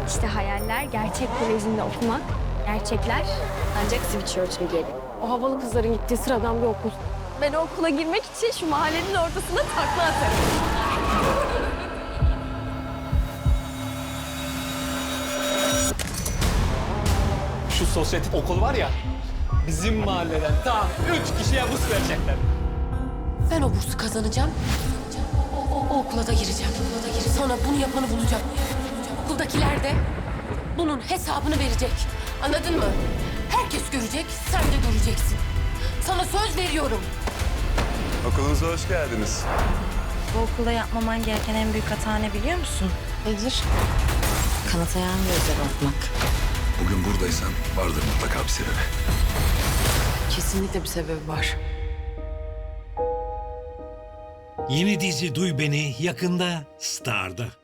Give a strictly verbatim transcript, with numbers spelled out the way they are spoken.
İşte hayaller gerçek kolejinde okumak, gerçekler ancak Switchchurch'e gelir. O havalı kızların gittiği sıradan bir okul. Ben o okula girmek için şu mahallenin ortasına takla atarım. Şu sosyetik okul var ya, bizim mahalleden tam üç kişiye burs verecekler. Ben o bursu kazanacağım. O, o, o okula da gireceğim. Okula da gireceğim. Sonra bunu yapanı bulacağım. Okuldakiler de bunun hesabını verecek. Anladın mı? Herkes görecek, sen de göreceksin. Sana söz veriyorum. Okulunuza hoş geldiniz. Bu okulda yapmaman gereken en büyük hata ne biliyor musun? Nedir? Kanatayan gözle bakmak. Bugün buradaysan vardır mutlaka bir sebebi. Kesinlikle bir sebebi var. Yeni dizi Duy Beni yakında Star'da.